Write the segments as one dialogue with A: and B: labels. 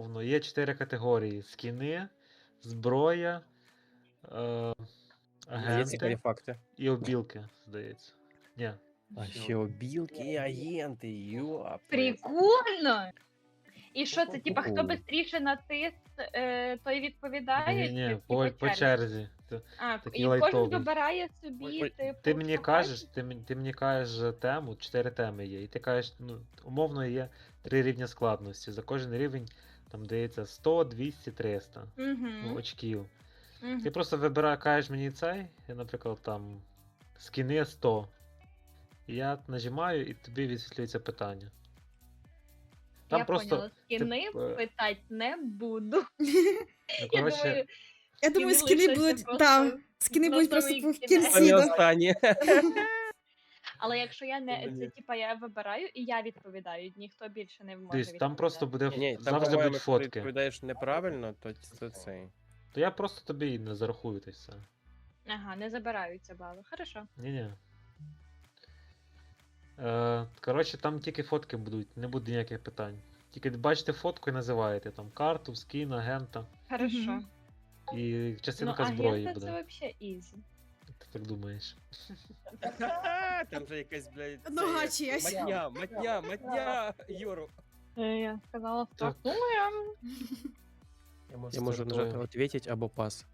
A: умовно, є 4 категорії: скіни, зброя, е,
B: Є цікаві
A: агенти
B: факти.
A: і обілки, здається. Ні.
B: А ще обілки і агенти, йоп.
C: Прикольно! І що це, типа, хто
B: Ку-ку.
C: швидше натис, той відповідає?
A: Ні,
C: Чи,
A: по
C: типа,
A: черзі.
C: А,
A: такий
C: і кожен
A: лайтовий.
C: вибирає собі, типу,
A: Ти мені
C: що
A: кажеш,
C: хоче?
A: ти мені кажеш тему, 4 теми є, і ти кажеш, ну, умовно є 3 рівня складності. За кожен рівень там дається 100, 200, 300
C: Угу.
A: очків.
C: Угу.
A: Ти просто вибираєш, кажеш мені цей, я, наприклад, там скіни 100. І я нажимаю, і тобі висвітлюється питання. Там
C: Я
A: просто,
C: поняла, скіни питати не буду.
A: ну,
C: Я
A: коротше,
C: думаю,
D: Я думаю,
C: скіни
D: скіни
C: лишаться
D: будуть.
C: просто
D: Так, скіни
C: на
D: будуть просто
C: самий
D: в
C: кінець.
D: кінці.
B: Самі
D: Да.
B: останні.
C: але якщо я не це, типа, я вибираю і я відповідаю, ніхто більше не може
A: дивись,
C: відповідати.
A: там просто буде
B: Ні, там,
A: завжди
B: по-моєму,
A: будуть
B: якщо ти
A: фотки.
B: відповідаєш неправильно, то це цей.
A: То я просто тобі не зарахую те все.
C: Ага, не забираються бали. Хорошо.
A: Ні-ні. Коротше, там тільки фотки будуть, не буде ніяких питань. Тільки бачите фотку і називаєте там карту, скін, агента
C: Хорошо.
D: Мгм.
A: і частинка
C: Ну,
A: зброї
C: агента
A: буде.
C: це взагалі ізі.
A: Ти так думаєш.
B: Там же якась, блядь,
D: Нога
B: це,
D: чиясь.
B: матня, Юру.
C: Я сказала,
A: Так.
C: стартуємо.
B: Я можу нажати «Ответить» або «Пас».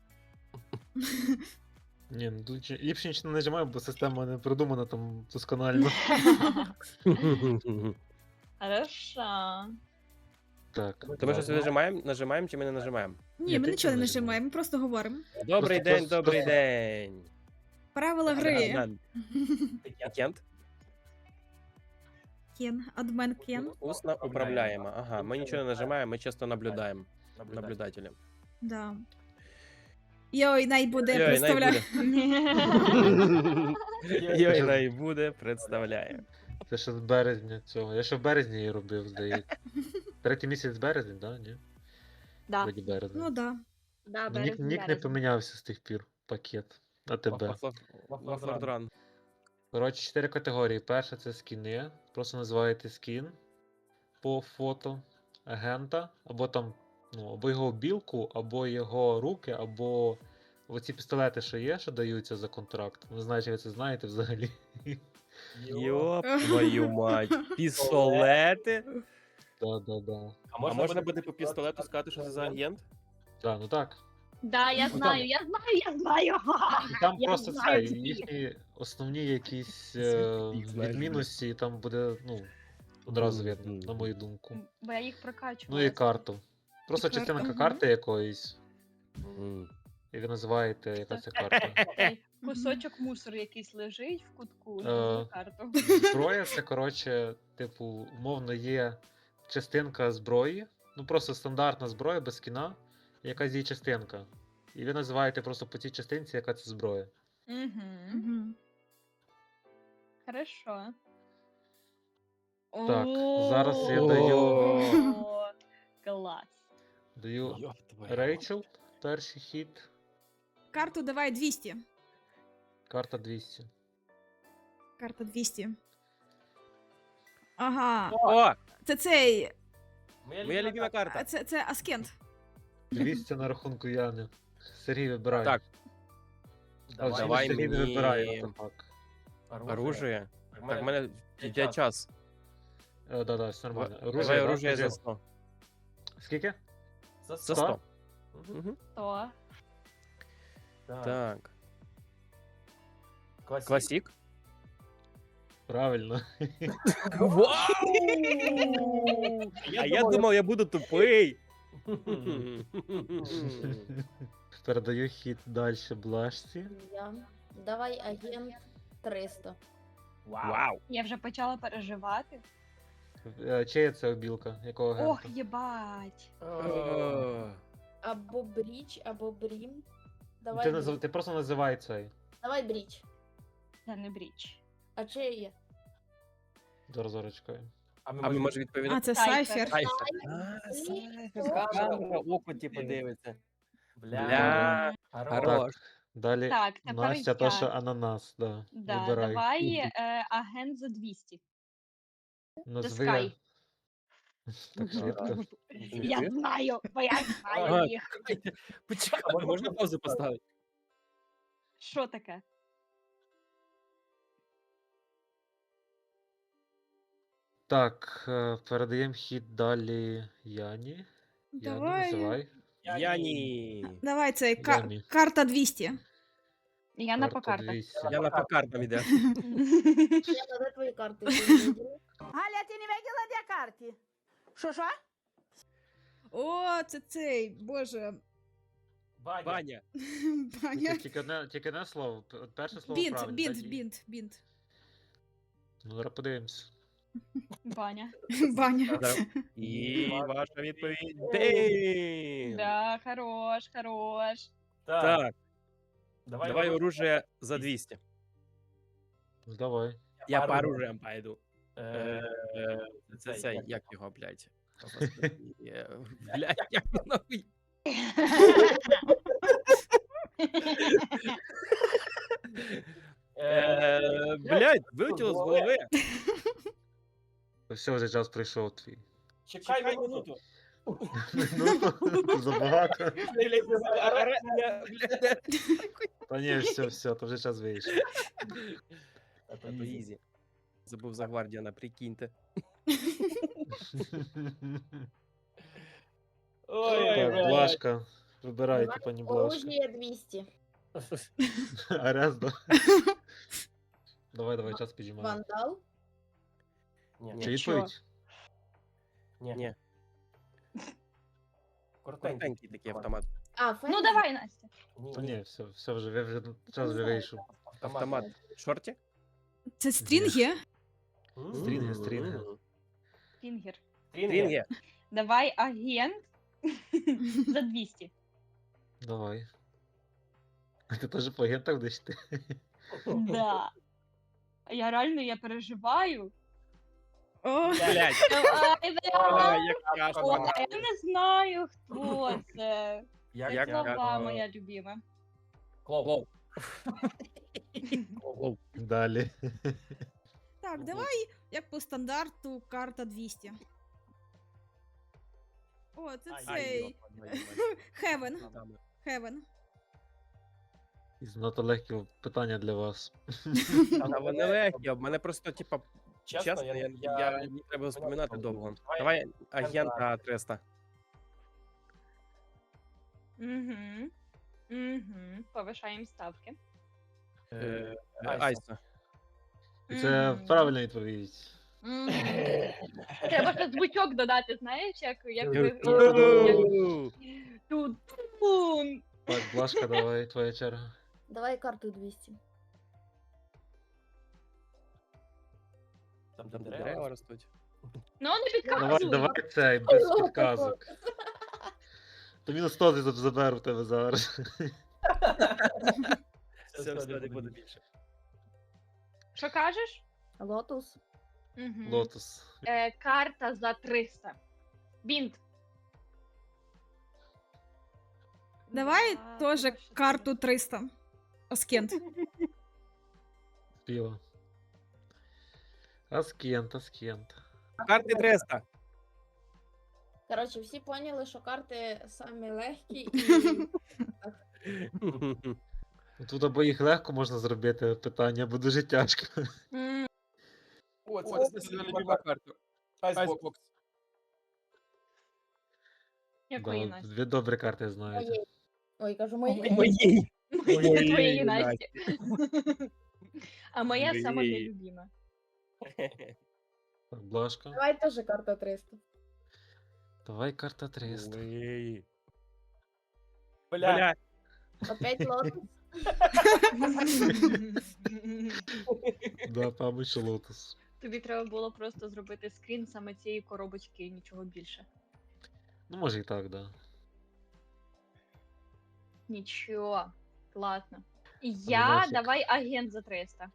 A: Ні, ну тут ліпше нічого не нажимаю, бо система не продумана там досконально.
C: Хорошо.
A: Так.
B: То ми щось нажимаємо чи ми не нажимаємо?
D: Ні, ми
A: ти
D: нічого не
A: не
D: нажимаємо, ми просто говоримо.
B: Добрий день,
A: просто-
B: добрий день.
D: Правила гри.
B: Кент?
D: Кен, адмен Кен.
B: Усно управляємо. Ага, ми нічого не нажимаємо, ми чисто наблюдаємо. Наблюдателем.
D: Да. Йой, най буде,
B: Йой, най
D: представляю.
B: Йой, най буде, представляє.
A: Це ще з березня цього. Я ще в березні її робив, здається. Третій місяць березень, да? Ні?
C: Да.
A: Вроді березень.
D: Ну да.
C: Да,
A: Ну, нік не помінявся з тих пір. Пакет. А тебе.
B: Лафлордран.
A: Коротше, 4 категорії. Перша це скіни. Просто називаєте скін по фото агента, або там, ну, або його білку, або його руки, або оці пістолети, що є, що даються за контракт. Не знаю, чи ви це знаєте взагалі.
B: Йоп твою мать. Пістолети?
A: Да.
B: А можна буде по пістолету сказати, що це за агент?
A: Так, ну так.
C: Да, я знаю.
A: І там
C: Я
A: просто
C: знаю
A: це,
C: ці
A: їхні основні якісь
B: Світ знаєш,
A: відмінності, там буде, ну, одразу видно,
B: Мгм.
A: на мою думку.
C: Бо я їх прокачувала.
A: Ну і карту. Просто
D: І карту,
A: частинка
D: мгм.
A: карти якоїсь,
B: М.
A: і ви називаєте, яка це карта.
C: Окей. Кусочок мусору якийсь лежить в кутку,
A: Е.
C: на карту.
A: Зброя це, коротше, типу, умовно є частинка зброї, ну просто стандартна зброя без скіна, і якась її частинка. І ви називаєте просто по цій частинці, яка це зброя.
C: Угу.
D: Мгм.
C: Хорошо.
A: Так, зараз я
C: О, клас.
A: Даю
B: Йоп твою
A: Рейчел, перший хід,
D: Карту давай 200.
A: карта 200.
D: Карта 200. Ага.
B: О!
D: Це цей.
B: Моя любима карта.
D: Це Аскент.
A: 200 на рахунку Яни. Сергій вибирає.
B: Так,
A: А взагалі
B: давай
A: Сергій не
B: мені
A: вибирає. Так.
B: оружие. Так, в мене йде час.
A: Да, все нормально.
B: Давай оружие
A: кажи.
B: за 100.
A: Скільки?
B: За
A: 100?
B: 100. Мгм.
C: То.
B: Так. Класік.
A: Правильно.
B: Вау! А я думав, я буду тупий.
A: Передаю хід далі Блашці.
E: Я. Давай агент 300.
B: Вау!
C: Я вже почала переживати.
A: Чия це обілка? Якого
C: Ох,
A: агента?
C: єбать.
E: Або бріч, або брім. Давай,
A: Ти,
E: бріч.
A: ти просто називай цей.
E: Давай бріч.
C: Це не бріч.
E: А чи є?
A: Зараз чекаю.
B: А ми можемо
D: А,
B: відповідати?
D: це
C: Сайфер.
D: Сайфер.
B: Камера, око типу дивиться.
A: Бля.
B: Хорош.
A: Далі
C: Так, тепер
A: Настя,
C: я.
A: то, що ананас, да.
C: Да,
A: Вибирай.
C: давай агент за 200.
A: Назви,
C: Sky.
A: Так швидко.
C: Я знаю, бо я знаю
B: Ага,
C: їх.
B: чекайте, почекай, можна паузу поставити?
C: Що таке?
A: Так, передаємо хід далі Яні. Яні,
D: Давай.
A: називай.
B: Яні.
D: Давай цей
A: Яні.
D: карта 200.
C: Я на
A: Карта
C: покартах.
A: 200.
B: Яна по картам іде.
E: Я надо твої карти. ти не виділа?
F: Галя, ти не виділа, де карти? Що?
D: О, це цей, боже.
B: Баня.
D: Баня.
A: Тільки одне слово. Перше слово
D: Бінт,
A: правильно.
D: бінт,
A: далі-
D: бінт, бінт.
A: Ну, зараз подивимось.
C: Баня.
D: Баня.
B: І ваша відповідь. Дейм.
C: Да, хорош, хорош.
B: Так, давай оружие за 200.
A: Ну, давай.
B: Я по оружиям пойду. Це цей, як його, блядь? Господи, блядь, як він нахуй? Блядь, вилетіло з голови.
A: Все, вже час прийшов твій.
G: Чекай минуту.
A: Ну, забагато.
B: Блядь.
A: Та ні, все, то вже час вийшов.
B: А то ізі. Забув за Гвардіана, прикиньте.
A: Так, Блашка. Вибирайте, пані Блашка.
E: Оружие 200.
A: Арест, да? Давай, час підіймаємо.
E: Вандал.
A: Чи відповідь?
B: Ні, коротенький такий автомат.
E: А, фен.
C: Ну давай, Настя.
A: Та ні, все вже, час вже вийшов.
B: Автомат. Шорті?
D: Це стрінги?
A: Стрінги.
C: Фінгер.
B: Стрінги.
C: Давай агент за 200.
A: Давай. А ти теж по агентах будеш йти?
C: Да. Я реально переживаю.
D: О,
B: Блядь.
C: Давай,
B: Ой,
C: давай.
B: як тяжко.
C: О, я не знаю, хто це.
B: Як
C: Це слова
B: тяжко.
C: моя любима.
B: Клоу.
A: Далі.
D: так, давай, як по стандарту, карта 200. О, це цей. Хевен. Хевен.
A: І занадто легкі питання для вас.
B: Та вони легкі, а в мене просто, типа, чесно, я не треба вспоминати довго. Давай агента 300.
C: Угу. Угу. Повишаємо ставки.
B: Айса.
A: І це
C: Мгм.
A: правильна відповідь.
C: Мгм. Треба ще звучок додати, знаєш, як Ту-тун.
A: Так, Блашка, давай, твоя черга.
E: Давай карту 200.
B: Там дерева ростуть.
C: Ну, не
A: Давай,
C: підказуй.
A: давай цей, без підказок. То мінус 100 заберу в тебе зараз.
B: Все, не буде більше.
C: Що кажеш?
E: Лотус.
C: Угу.
A: Лотус.
C: Карта за 300. Бінт.
D: Давай
C: Да,
D: теж
C: давай, що
D: карту 300. Оскент.
A: Піва. Аскент.
B: Карти 300.
E: Коротше, всі поняли, що карти самі легкі і
A: Тут або їх легко можна зробити питання, або дуже тяжко.
B: О, це сильно любима карта. Айсбокс.
C: Якої
A: Да,
C: Насті?
A: дві добрі карти знаєте.
E: моєї. Ой, кажу, моєї.
B: Моєї.
C: Твоєї
B: Моєї
C: Насті. А моя сама
B: Моєї.
C: нелюбима.
A: Так, Блашка.
E: Давай теж карта 300.
A: Давай карта 300.
B: Моєї.
G: Бля.
E: Опять лотус.
A: Да, мабуть, що лотос.
C: Тобі треба було просто зробити скрін саме цієї коробочки і нічого більше.
A: Ну, може і так, да.
C: Нічого. Класно.
A: Нафіг.
C: Я давай агент за 300.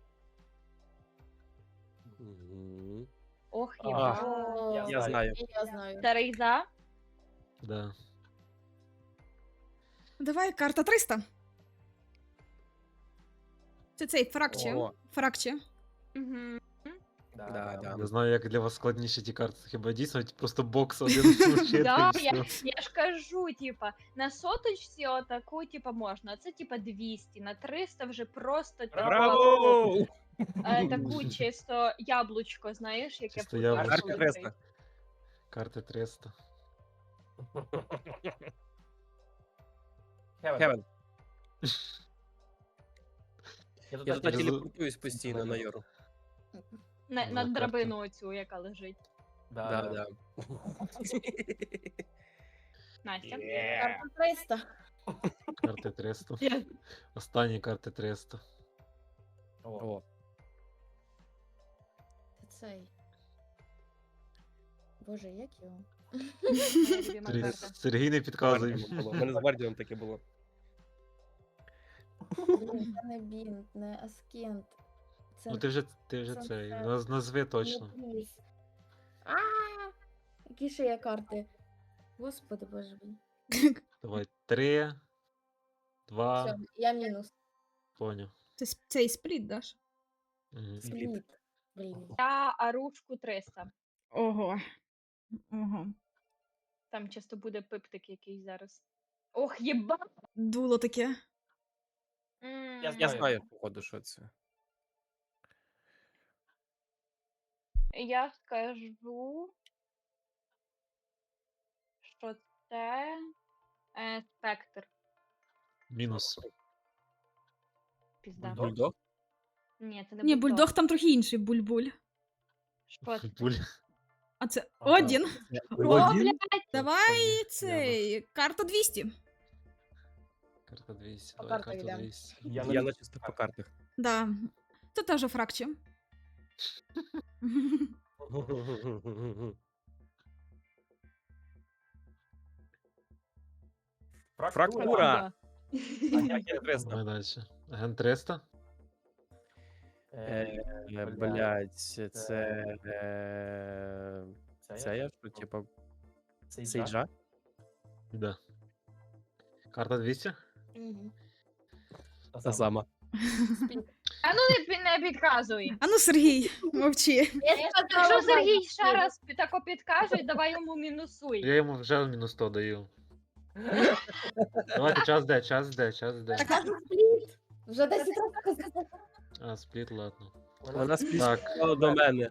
B: Мгм.
C: Ох,
G: А.
C: єба.
E: О,
B: Я знаю.
E: і я знаю.
C: Старий за.
A: Да.
D: Давай карта 300. Це цей фракче.
B: О.
D: Фракче.
C: Угу.
B: Да.
A: Не знаю, як для вас складніші ті карти. Хіба дійсно просто бокс один включити
C: Да,
A: і все.
C: я ж кажу, типа, на соточці отаку, типа, можна. Це типа 200, на 300 вже просто типа,
B: Браво!
C: таку чисто яблучко, знаєш, яке
A: Чисто
C: футбол
A: яблучко.
B: Карти
C: лежить.
B: 300.
A: Карти 300.
B: Хевен. Я туди
A: Розу-
B: телепортуюсь постійно на Йору.
C: На
A: карта.
C: драбину оцю, яка лежить.
B: Да.
C: Настя.
E: Карта 300.
A: Карти 300. Останні карти 300.
B: О,
E: Цей. Боже, як його?
C: Моя любима
A: Три-
C: карта.
A: Сергій не підказує.
B: Гвардіаном було. У мене з Гвардіаном таке було.
E: Блін, це не Бінт, не Аскент. Це
A: Ну ти вже
E: це
A: цей.
E: все.
A: Назви точно.
E: не Пліс. А, які ще є карти? Господи, боже мій.
A: Давай. 3, 2,
E: Все, я мінус.
A: поняв.
D: Це цей спліт, Даш?
A: Мгм.
E: Спліт. Блін.
C: Я арушку 300.
D: Ого. Ого.
C: Там часто буде пиптик якийсь зараз. Ох, єба!
D: Дуло таке.
B: Я знаю, походу, що це.
C: Я скажу, що це спектр.
A: Мінус.
C: Пізда.
B: Бульдог?
C: Ні, це не
D: Ні, бульдог там трохи інший, буль-буль.
C: Що це?
A: Буль.
D: А це
B: Ага.
D: Одін.
C: О, блядь!
D: Давай цей. Карта 200.
A: Карта 200.
E: По
A: Давай
E: картах
A: карту
E: йдем.
A: 200.
B: Я на чисто по картах.
D: Да. Це теж фракчі.
B: Фрактура!
C: Да.
B: Я 300.
A: Давай далі. Агент 300.
B: Блять, це... Це я що, типа, Сейджа?
A: Да. Карта 200.
E: Угу.
B: Та сама.
C: А ну не підказуй.
D: А ну, Сергій, мовчи.
C: Якщо Сергій ще раз тако підкаже, давай йому мінусуй.
A: Я йому вже мінус 100 даю. Давайте час де.
E: Так, а спліт. Вже 10 разів сказала.
A: А, спліт, ладно.
B: Вона
A: Так.
B: спішла до мене.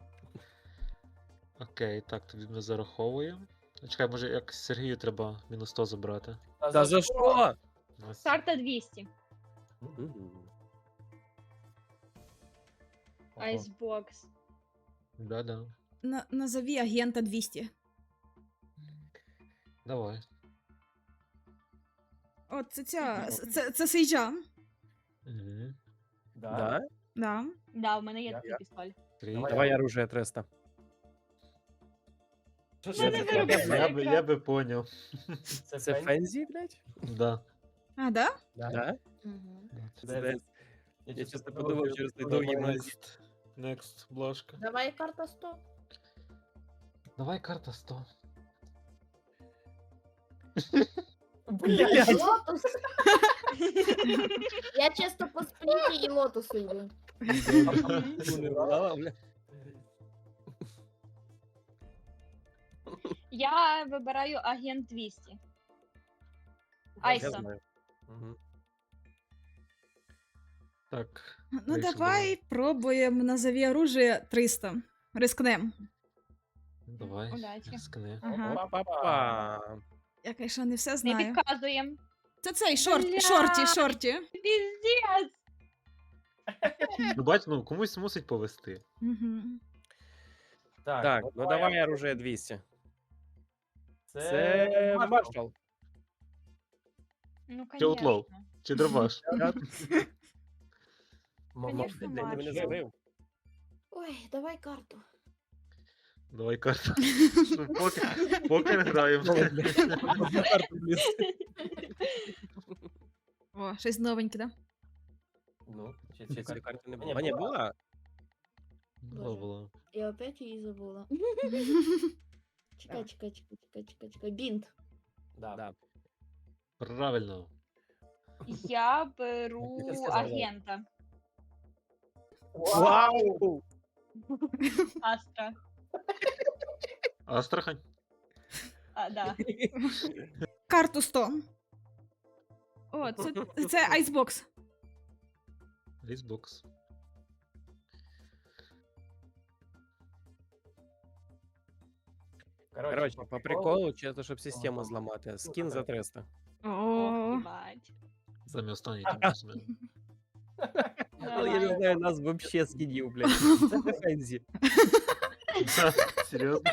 A: Окей, так, тобі ми зараховуємо. Чекай, може як Сергію треба мінус 100 забрати.
B: Та за що?
A: Ось.
C: Карта 200. Айсбокс.
A: Да.
D: Назові агента 200.
A: Давай.
D: От це Сейджа.
A: Угу.
B: Да?
D: Да.
C: Да, у мене є такий пістоль.
B: Давай оружие 300.
A: Я би поняв.
B: Це Фензі, блядь?
A: Да.
D: А, да?
B: Да?
E: Угу.
B: Я чесно подумав через той довгий мозг.
A: Next, бложка.
E: Давай карта 100.
A: Давай карта 100.
B: Блядь.
E: Лотус. Я чисто по спліті і лотусу йду.
C: Я вибираю агент 200.
B: Я
C: Айсо.
B: знаю. Мгм.
A: Так.
D: Ну
A: вийшло,
D: давай пробуємо назові оружие 300. Рискнем.
A: Давай.
C: Удачі.
A: Рискни.
D: Ага.
B: Па-па-па.
D: Я, звісно, не все
C: Не
D: знаю.
C: підказуємо.
D: Це цей
C: Бля.
D: шорті.
C: Піздець!
A: Ну бач, ну комусь мусить повести.
D: Угу.
B: Так, ну давай оружие 200. Це маршал.
C: Ну,
A: Чи Outlaw?
C: конечно.
A: Чи дробаш?
C: Конечно,
B: Ти мене
C: маршал.
B: забив.
E: Ой, давай карту.
A: Давай карту. Ну, Покер граємо.
D: О, щось новеньке, да?
B: Чи цієї карти не було? А, ні, була?
A: Було.
E: Я опять її забула. Чекай. Бінт.
B: Да.
A: Правильно.
C: Я беру
B: Я сказала.
C: агента.
B: Вау!
C: Астра.
A: Астрахань?
C: Да.
D: Карту 100. О, це айсбокс.
A: Xbox.
B: Коротше, по приколу, чисто, щоб систему зламати. Скін за 300.
D: О,
C: Єбать.
A: Саме останній тим часом.
B: Але я не
C: Давай.
B: знаю нас вообще скінів, блядь. Це Фензі.
A: Серйозно?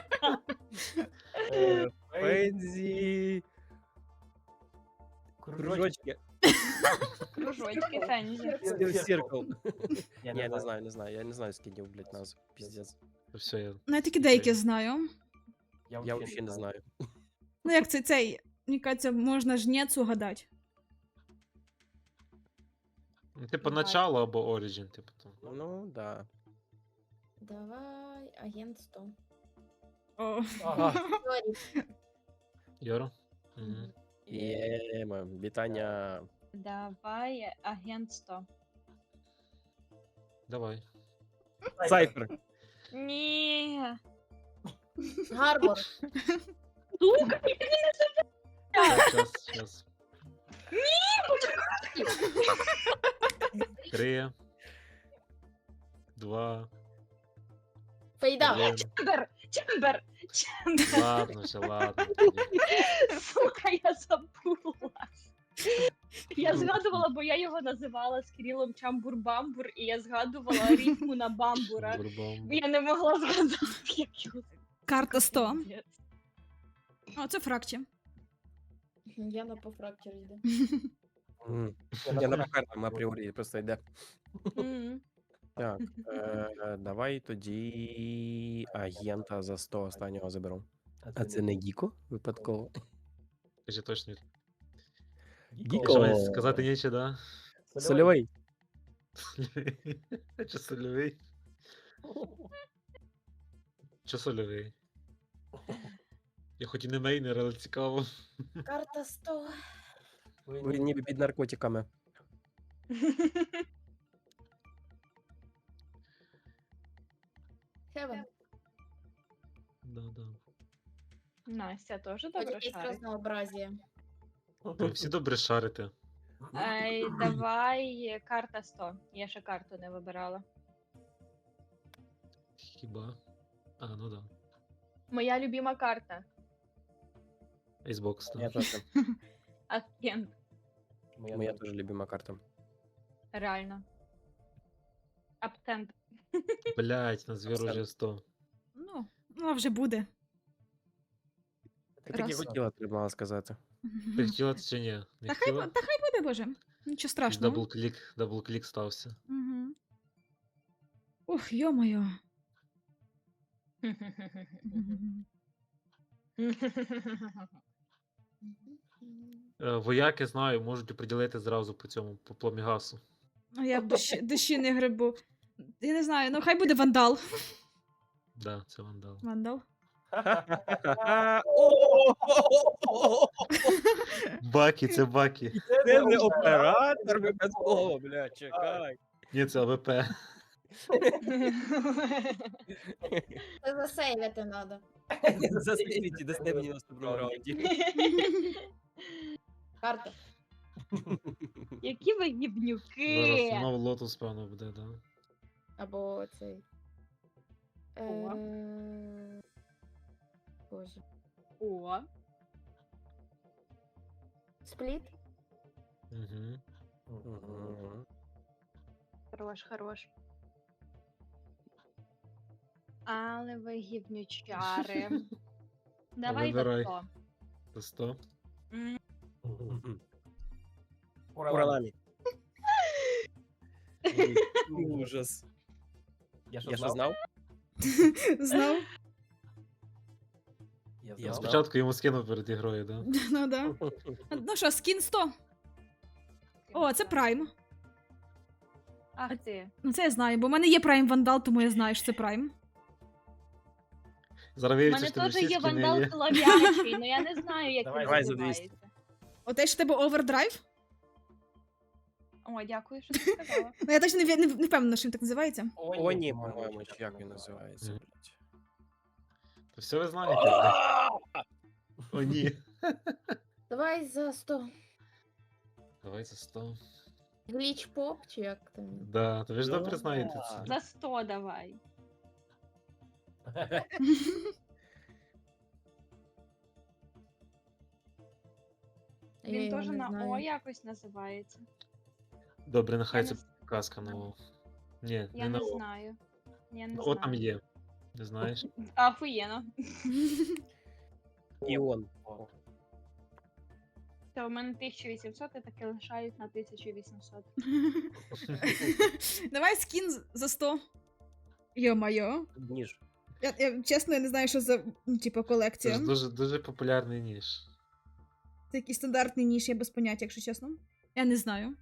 B: Фензі. Кружочки.
C: Кружочки Фензі.
B: Сіркл. Ні, не знаю. Я не знаю скінів, блядь, назв. Піздець.
A: Все, я...
D: ну я тільки деякі знаю.
B: Я взагалі не знаю.
D: Ну як цей, мені кажеться, можна жнець угадати.
A: Ну, типу, начало або Origin, типу там.
B: Ну, да.
E: Давай, агент 100.
D: О.
E: Сорі.
A: Йоро? Мгм.
B: Єма, вітання.
C: Давай агент 100.
A: Давай.
B: Сайфер.
C: Ні.
E: Гарбор.
C: Сука,
A: Час. 3, 2,
E: Фейда.
A: 1.
C: Чембер.
A: Ладно, все, ладно. тоді.
C: Сука, я забула. Я згадувала, бо я його називала з Кирилом Чамбур-Бамбур, і я згадувала рифму на бамбура.
A: Бурбам.
C: Я не могла згадати, як його.
D: Карта 100. О, це фракті.
E: Яна по фракчері йде.
B: Я на картам апріорі просто йде.
C: Мгм.
B: Так, давай тоді агента за 100 останнього заберу. А це не Гіко? Випадково.
A: Кажи точно.
B: Гіко.
A: Що мені сказати нічого, да?
B: Сольовий.
A: Чи сольовий? Чи сольовий? Я хоч і не мейнер, але цікаво.
E: Карта 100.
B: Ви ніби під наркотиками.
E: Хевен.
A: Да.
C: Настя теж
E: Хоч
C: добре
E: якесь
C: шарить.
E: разнообразие.
A: Ви всі добре шарите.
C: Давай карта 100. Я ще карту не вибирала.
A: Хіба? А, ну да.
C: Моя любима карта.
A: Xbox,
B: Я
A: так.
B: теж.
C: Агент.
B: Моя теж любима карта.
C: Реально. Аптент.
A: Блять, на звір уже 100.
D: Ну, а вже буде.
B: Ти так і
D: Раз.
B: хотіла, треба мала сказати.
A: Ти хотіла це чи ні? Не
D: Та хай
A: хотіла?
D: буде, боже. Нічого страшного.
A: Даблклік стався.
D: Угу. Ух, йо-моє.
A: Вояки, знаю, можуть приділити зразу по цьому, по пломігасу.
D: А я в душі не грибу. Я не знаю, ну хай буде вандал.
A: Да, це вандал.
D: Вандал.
A: Бакі, це бакі.
B: Це не оператор випадково, бля, чекай.
A: Ні, це АВП.
E: Це засейвити треба.
B: Заспівіть, дасте мені в наступному раунді.
E: Карта.
C: Які ви
A: Зараз
C: гівнюки.
A: знову лотус, певно, буде, да.
E: Або цей.
C: О.
E: Боже.
C: О.
E: Спліт.
A: Угу.
B: Мгм.
C: Хорош. Але ви гівнючари. Давай за
A: Вибирай.
C: 100.
A: За 100.
B: Мгм. Уралами. Ужас. Я що знав?
D: Знав?
B: Я знав.
A: Спочатку йому скинув перед ігрою, да?
D: Ну да. Ну що, скін 100. О, це прайм.
C: Ах ти.
D: Ну це я знаю, бо в мене є прайм вандал, тому я знаю, що це прайм.
A: Зараз
C: У
A: виявиться,
C: мене
A: що не
C: теж
A: всі
C: є
A: скини
C: вандал
A: є.
C: солов'ячий, але я не знаю, як він
B: Давай за 200.
C: називається.
D: Оте ж в тебе овердрайв?
C: О, дякую, що ти сказала.
D: Ну я точно не впевнена, що він так називається.
B: Оні, по-моєму, чи як він називається,
A: Мгм.
B: блядь.
A: То все ви знаєте, блядь. О, ні.
E: Давай за 100.
A: Давай за 100.
E: Гліч поп, чи як там?
A: Да, то ви ж добре знаєте це.
C: За 100 давай.
E: Я
C: Він
E: його
C: теж
E: не
C: на О
E: знаю.
C: якось називається.
A: Добре, нехай
C: Я
A: це
C: не з-
A: казка на О. Ні,
C: Я
A: не на
C: не
A: О.
C: знаю. Я не
A: На О там
C: знаю.
A: є. Не знаєш?
C: Ахуєнно.
B: Іон.
C: Та у мене 1800, я таки лишаюсь на 1800.
D: Давай скін за 100. Йо-майо.
B: Ніж.
D: Чесно, я не знаю, що за типу,
A: Це
D: колекція.
A: ж дуже популярний ніж.
D: Це якийсь стандартний ніж, я без поняття, якщо чесно. Я не знаю.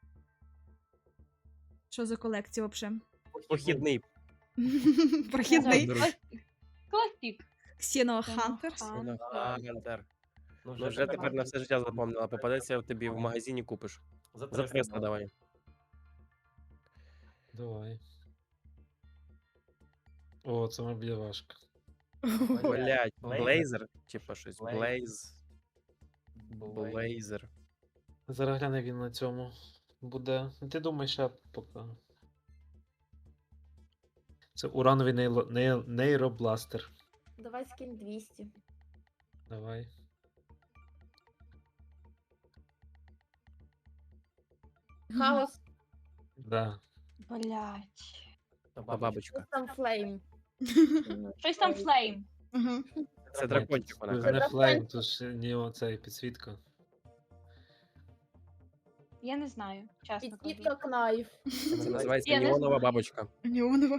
D: Що за колекція взагалі?
B: Похідний.
D: Прохідний.
C: Класік.
D: Xeno Hunters.
B: Гантер. Ну, вже тепер на все життя запомнила. Попадеться тобі в магазині купиш. За 300 давай.
A: Давай. О, це мабуть важко.
B: Блять, блейзер? Типа щось. Блейзер.
A: Зараз гляне він на цьому буде. Ну, ти думаєш, я поки. Це урановий нейробластер.
E: Давай скинь 200.
A: Давай.
E: Хаос.
A: Да.
C: Блять.
B: Бабочка.
E: Щось там флейм.
C: Щось там флейм.
D: Ага.
B: Це дракончик вона
A: Це
B: каже.
A: не флейм, то ж не оцей підсвітка.
C: Я не знаю, чесно кажу.
E: Підсвітка кнайф.
B: Це називається
C: Я не
B: неонова
C: знаю.
B: бабочка.
D: Неонова.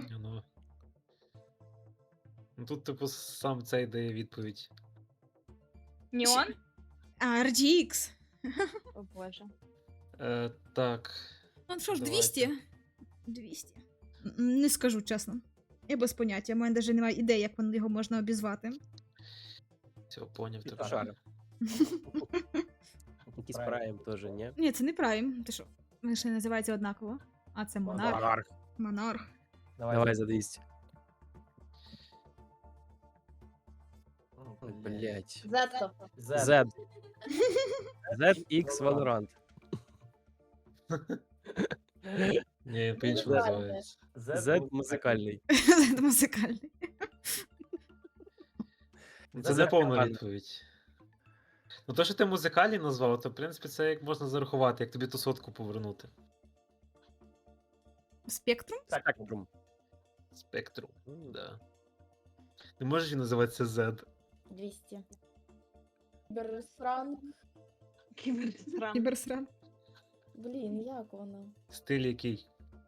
A: Ну тут, типу, сам цей дає відповідь.
C: Неон?
D: А, RGX.
C: О боже.
A: Так.
D: Ну що ж,
A: Давайте.
D: 200? 200. Не скажу чесно. Я без поняття. У мене навіть немає ідеї, як його можна обізвати.
A: Все, поняв
B: Типа
A: тебе.
B: шар. Якийсь прайм теж, ні?
D: Ні, це не Prime. Ти що? Вони ще називаються однаково. А це Монарх.
B: Монарх.
D: Монарх.
B: Давай за 200. Блять.
E: Зетто.
B: Z. ZX Valorant.
A: Ні, по-іншому
E: Ладно.
A: називається.
B: Z музикальний.
D: Це музикальний.
A: Це
B: Z
A: не повна
B: команда.
A: відповідь. Ну, то, що ти музикальний назвав, то в принципі це як можна зарахувати, як тобі ту сотку повернути.
D: Спектрум?
B: Спектрум.
A: Спектру. Да. Не можеш він називатися Z.
E: 200. Берсранг.
C: Кіберсран.
D: Кіберсран.
E: Блін, як воно?
A: Стиль який?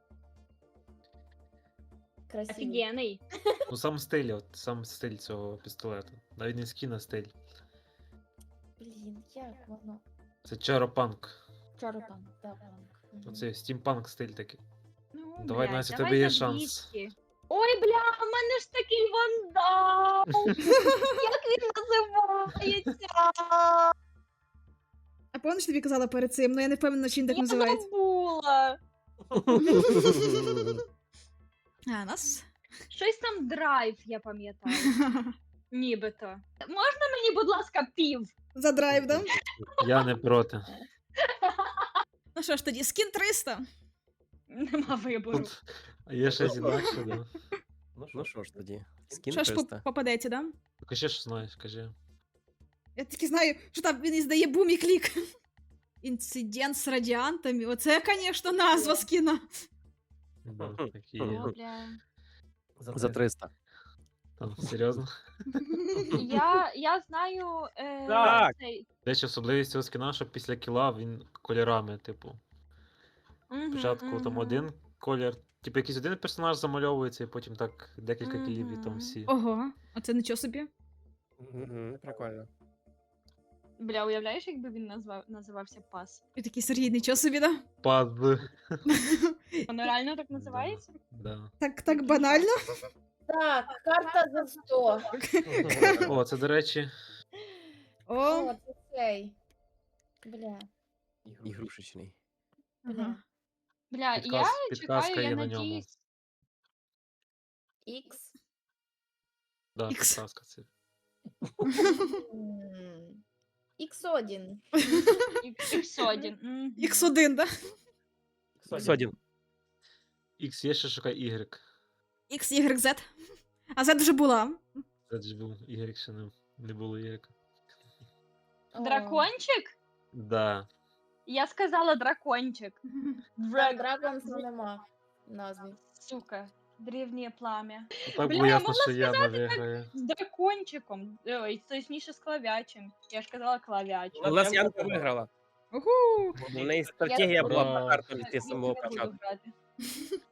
E: Красивий.
C: Офігенний.
A: Ну сам стиль, от сам стиль цього пістолету. Навіть не скін, а стиль.
E: Блін, як воно?
A: Це чаропанк.
E: Чаропанк, да, панк. Мгм.
A: Оце стімпанк стиль такий.
C: Ну,
A: Давай,
C: блядь,
A: Настя, у
C: давай
A: тебе є
C: за
A: шанс.
C: 200. Ой, бля, у мене ж такий вандал. Як він називається?
D: А пам'ятаєш, тобі казала перед цим, ну я не впевнена, чи він так
C: Я
D: називається.
C: забула.
D: А, нас?
C: Щось там драйв, я пам'ятаю. Нібито. Можна мені, будь ласка, пів?
D: За драйв, да?
A: Я не проти.
D: Ну що ж тоді, скін 300.
C: Нема вибору.
A: Тут є щось інакше, да.
B: Ну що ж тоді? Скін
D: Що ж
B: 300.
D: попадеться, да?
A: Кажи, що знаєш, кажи.
D: Я тільки знаю, що там він іздає бум і клік. Інцидент з радіантами. Оце, звісно, назва скіна.
A: Да, такі
C: О,
A: є.
C: бля.
B: За 300.
A: Там, серйозно.
C: Я знаю
B: Так.
C: цей.
A: До речі, особливість цього скіна, що після кіла він кольорами, типу. Спочатку там один колір, типу якийсь один персонаж замальовується, і потім так декілька кілів і там
C: Мгм.
A: всі.
D: Ого, оце нічого собі.
B: Прикольно.
C: Бля, уявляєш, якби він називався Пас?
D: І такий Сергій, нічого собі, да?
A: Паз.
C: Воно реально так називається?
A: Да.
D: Так банально.
E: Так, карта за 100.
A: О, це, до речі,
D: О,
E: О, це цей. Бля.
B: Ігрушечний.
E: Бля.
C: Бля, я
A: Підказка
C: чекаю, я
A: є на ньому.
C: надіюсь.
E: Ікс.
A: Да,
D: Ікс.
A: підказка це.
E: Ікс1.
C: X1. Мгм.
D: X1, да?
B: X1.
A: X є, ще шукай Y.
D: X, Y, Z. А Z вже була.
A: Це ж був Y, ще не було Y.
C: Дракончик?
A: Да.
C: Я сказала дракончик.
E: Драгонс нема в назві.
C: Сука. Древнє пламя.
A: Так
C: Бля,
A: було
C: я
A: ясно,
C: могла
A: що Яна виграє.
C: З дракончиком. Ой, точніше з клавячем. Я ж казала клавяч.
B: У нас Янка виграла.
D: Угу.
B: У неї стратегія була
A: Ура.
B: по карту йти з
C: Я
B: самого
C: не буду
B: початку.
C: грати.